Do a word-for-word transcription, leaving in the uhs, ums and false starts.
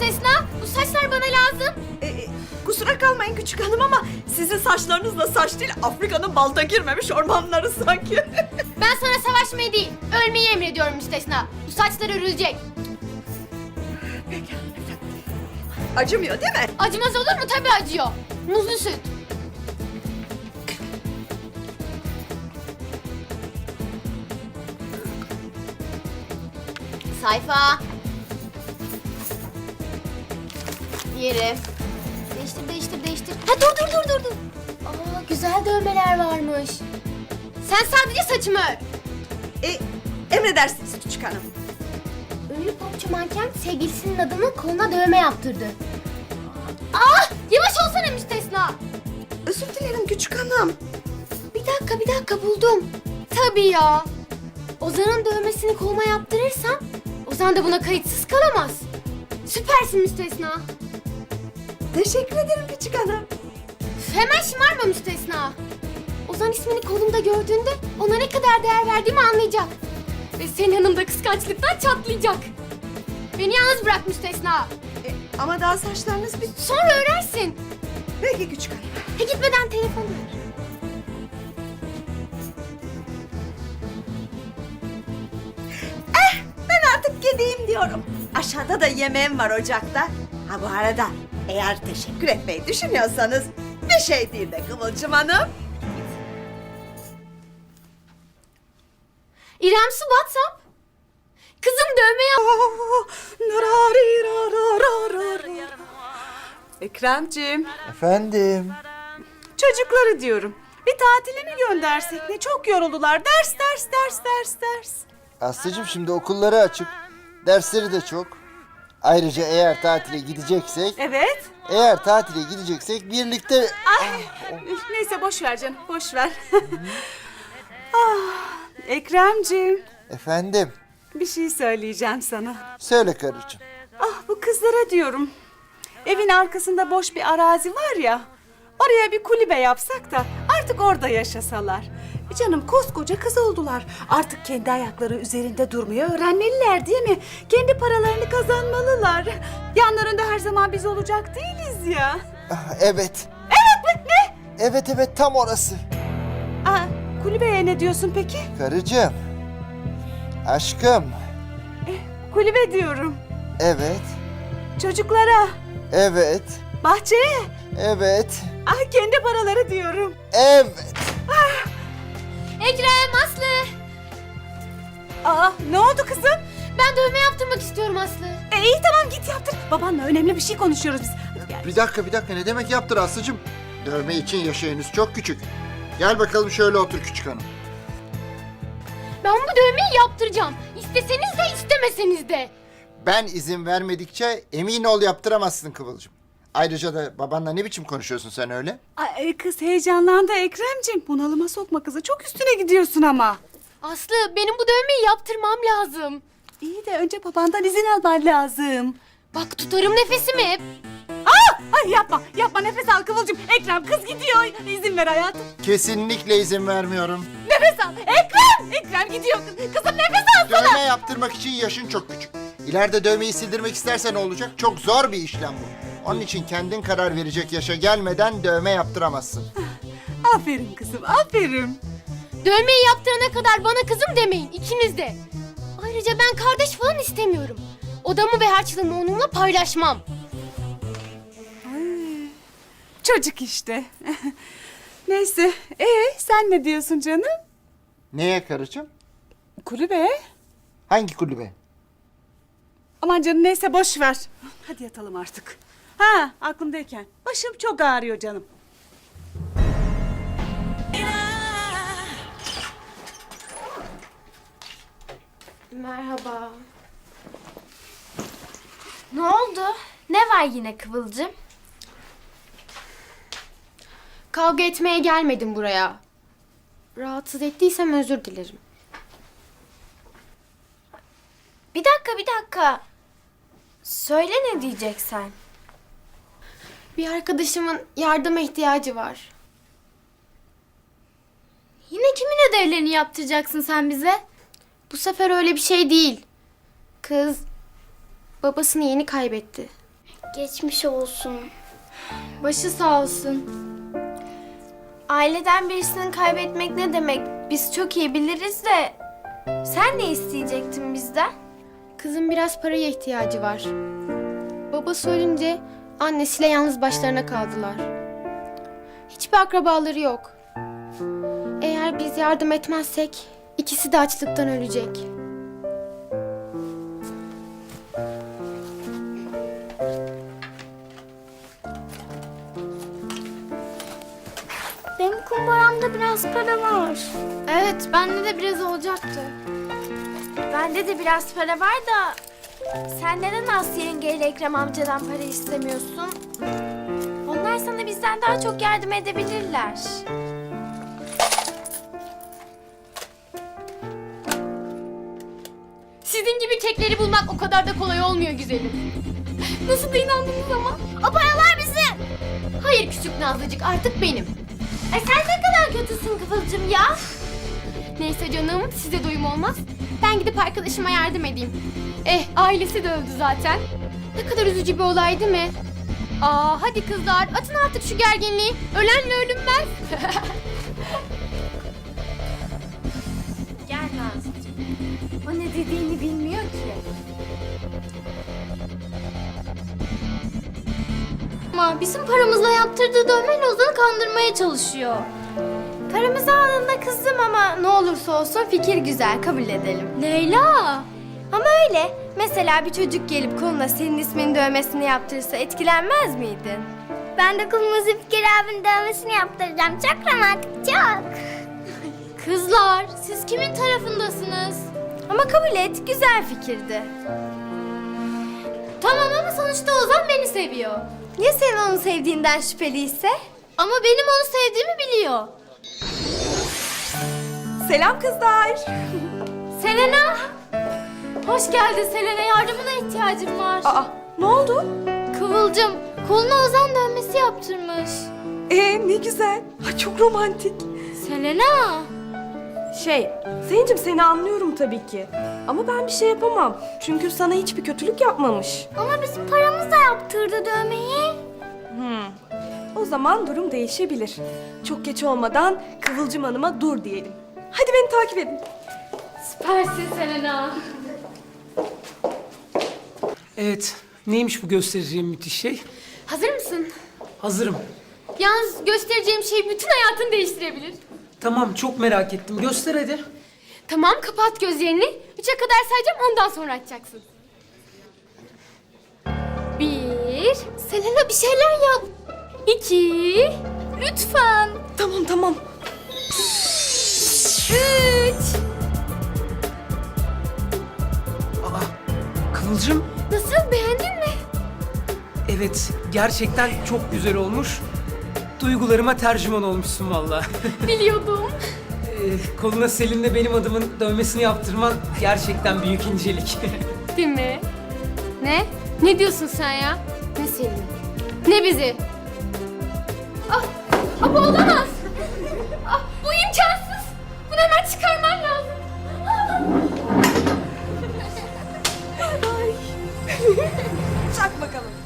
müstesna. Bu saçlar bana lazım. Ee, kusura kalmayın küçük hanım ama sizin saçlarınızla saç değil, Afrika'nın balta girmemiş ormanları sanki. Ben sana savaşmayı değil, ölmeyi emrediyorum müstesna. Bu saçlar örülecek. Peki hanımefendi. Acımıyor değil mi? Acımaz olur mu? Tabii acıyor. Muzlu süt. Sayfa. Yeri. Değiştir, değiştir, değiştir. Ha dur, dur, dur, dur, dur. Aa, güzel dövmeler varmış. Sen sadece saçımı ör. Ee, emredersiniz küçük hanım. Ünlü popçu manken sevgilisinin adının koluna dövme yaptırdı. Aa, yavaş olsana müstesna. Özür dilerim küçük hanım. Bir dakika, bir dakika buldum. Tabii ya. Ozan'ın dövmesini koluma yaptırırsam Ozan da buna kayıtsız kalamaz. Süpersin müstesna. Teşekkür ederim küçük hanım. Üf, hemen şımarma müstesna. Ozan ismini kolumda gördüğünde ona ne kadar değer verdiğimi anlayacak. Ve senin yanında kıskançlıktan çatlayacak. Beni yalnız bırak müstesna. Ee, ama daha saçlarınız bir... Sonra öğrensin. Peki küçük hanım. Ha, gitmeden telefonu ver. Ben artık gideyim diyorum. Aşağıda da yemeğim var ocakta. Ha bu arada eğer teşekkür etmeyi düşünüyorsanız bir şey değil de Kıvılcım Hanım. İrem Su WhatsApp. Kızım dövme yap. Ekremciğim, Efendim. çocukları diyorum. Bir tatile mi göndersek ne? Çok yoruldular. Ders, ders, ders, ders, ders. Aslıcığım şimdi okulları açık. Dersleri de çok. Ayrıca eğer tatile gideceksek, Evet. eğer tatile gideceksek birlikte... Ay, neyse boş ver canım, boş ver. ah, Ekremciğim, Efendim. bir şey söyleyeceğim sana. Söyle karıcığım. Ah bu kızlara diyorum. Evin arkasında boş bir arazi var ya. Oraya bir kulübe yapsak da artık orada yaşasalar. E Canım koskoca kız oldular. Artık kendi ayakları üzerinde durmayı öğrenmeliler değil mi? Kendi paralarını kazanmalılar. Yanlarında her zaman biz olacak değiliz ya. Ah, evet. Evet mi? Ne? Evet evet tam orası. Aa, kulübeye ne diyorsun peki? Karıcığım. Aşkım. Kulübe diyorum. Evet. Çocuklara, Evet. bahçeye, Evet. ah kendi paraları diyorum. Evet. Ekrem, Aslı. Aa ne oldu kızım? Ben dövme yaptırmak istiyorum Aslı. E, iyi tamam git yaptır. Babanla önemli bir şey konuşuyoruz biz. Hadi gel. Bir dakika bir dakika ne demek yaptır Aslıcığım? Dövme için yaşı henüz çok küçük. Gel bakalım şöyle otur küçük hanım. Ben bu dövmeyi yaptıracağım. İsteseniz de istemeseniz de. Ben izin vermedikçe emin ol yaptıramazsın Kıvılcım. Ayrıca da babanla ne biçim konuşuyorsun sen öyle? Ay, e, kız heyecanlandı Ekremciğim. Bunalıma sokma kızı. Çok üstüne gidiyorsun ama. Aslı, benim bu dövmeyi yaptırmam lazım. İyi de önce babandan izin alman lazım. Bak tutarım nefesimi hep. Aa! Ay yapma, yapma nefes al Kıvılcım. Ekrem kız gidiyor. İzin ver hayatım. Kesinlikle izin vermiyorum. Nefes al. Ekrem! Ekrem gidiyor. Kızım nefes alsana. Dövme yaptırmak için yaşın çok küçük. İleride dövmeyi sildirmek istersen ne olacak? Çok zor bir işlem bu. Onun için kendin karar verecek yaşa gelmeden dövme yaptıramazsın. Aferin kızım, aferin. Dövmeyi yaptırana kadar bana kızım demeyin ikiniz de. Ayrıca ben kardeş falan istemiyorum. Odamı ve harçlığımı onunla paylaşmam. Çocuk işte. Neyse. Ee sen ne diyorsun canım? Neye karıcığım? Kulübe. Hangi kulübe? Aman canım neyse boş ver. Hadi yatalım artık. Ha aklımdayken. Başım çok ağrıyor canım. Merhaba. Ne oldu? Ne var yine Kıvılcım? Kavga etmeye gelmedim buraya. Rahatsız ettiysem özür dilerim. Bir dakika bir dakika. Söyle ne diyeceksen. Bir arkadaşımın yardıma ihtiyacı var. Yine kimin ödevlerini yaptıracaksın sen bize? Bu sefer öyle bir şey değil. Kız babasını yeni kaybetti. Geçmiş olsun. Başı sağ olsun. Aileden birisini kaybetmek ne demek? Biz çok iyi biliriz de... Sen ne isteyecektin bizden? Kızın biraz paraya ihtiyacı var. Babası ölünce annesiyle yalnız başlarına kaldılar. Hiçbir akrabaları yok. Eğer biz yardım etmezsek ikisi de açlıktan ölecek. Benim kumbaramda biraz para var. Evet, bende de biraz olacaktı. Bende de biraz para var da... Sen neden Aslı yengeyle Ekrem amcadan para istemiyorsun? Onlar sana bizden daha çok yardım edebilirler. Sizin gibi kekleri bulmak o kadar da kolay olmuyor güzelim. Nasıl da inandınız ama? O paralar bizim. Hayır küçük Nazlıcık, artık benim. E sen ne kadar kötüsün Kıvılcım ya. Neyse canım, size doyum olmaz. Ben gidip arkadaşıma yardım edeyim. Eh, ailesi de öldü zaten. Ne kadar üzücü bir olay değil mi? Aa, hadi kızlar, atın artık şu gerginliği. Ölenle ölünmez. Gel Nazlıcığım. O ne dediğini bilmiyor ki. Ama bizim paramızla yaptırdığı dövmeyle Ozan'ı kandırmaya çalışıyor. Paramızı aldığında kızdım ama ne olursa olsun fikir güzel, kabul edelim. Leyla! Ama öyle. Mesela bir çocuk gelip koluna senin isminin dövmesini yaptırırsa etkilenmez miydin? Ben de koluma Zülfikar abinin dövmesini yaptıracağım. Çok romantik, çok. Kızlar, siz kimin tarafındasınız? Ama kabul et, güzel fikirdi. Tamam ama sonuçta Ozan beni seviyor. Ya senin onu sevdiğinden şüpheliyse? Ama benim onu sevdiğimi biliyor. Selam kızlar. Selena! Hoş geldin Selena, yardımına ihtiyacım var. Aa, ne oldu? Kıvılcım, koluna Ozan dövmesi yaptırmış. Ee, ne güzel. Ay, çok romantik. Selena! Şey, Selin'cim seni anlıyorum tabii ki. Ama ben bir şey yapamam. Çünkü sana hiçbir kötülük yapmamış. Ama bizim paramızla yaptırdı dövmeyi. O zaman durum değişebilir. Çok geç olmadan Kıvılcım Hanım'a dur diyelim. Hadi beni takip edin. Süpersin Selena. Evet, neymiş bu göstereceğim müthiş şey? Hazır mısın? Hazırım. Yalnız göstereceğim şey bütün hayatını değiştirebilir. Tamam, çok merak ettim. Göster hadi. Tamam, kapat gözlerini. Üçe kadar sayacağım, ondan sonra açacaksın. Bir. Selena bir şeyler yap. İki. Lütfen. Tamam tamam. Üç. Aa, Kıvılcım. Nasıl, beğendin mi? Evet, gerçekten çok güzel olmuş. Duygularıma tercüman olmuşsun vallahi. Biliyordum. Ee, koluna Selin'le benim adımın dövmesini yaptırman gerçekten büyük incelik. Değil mi? Ne? Ne diyorsun sen ya? Ne seni? Ne bizi? Ah, ah bu olamaz. Ah, bu imkansız. Bunu hemen çıkarman lazım. Çak bakalım.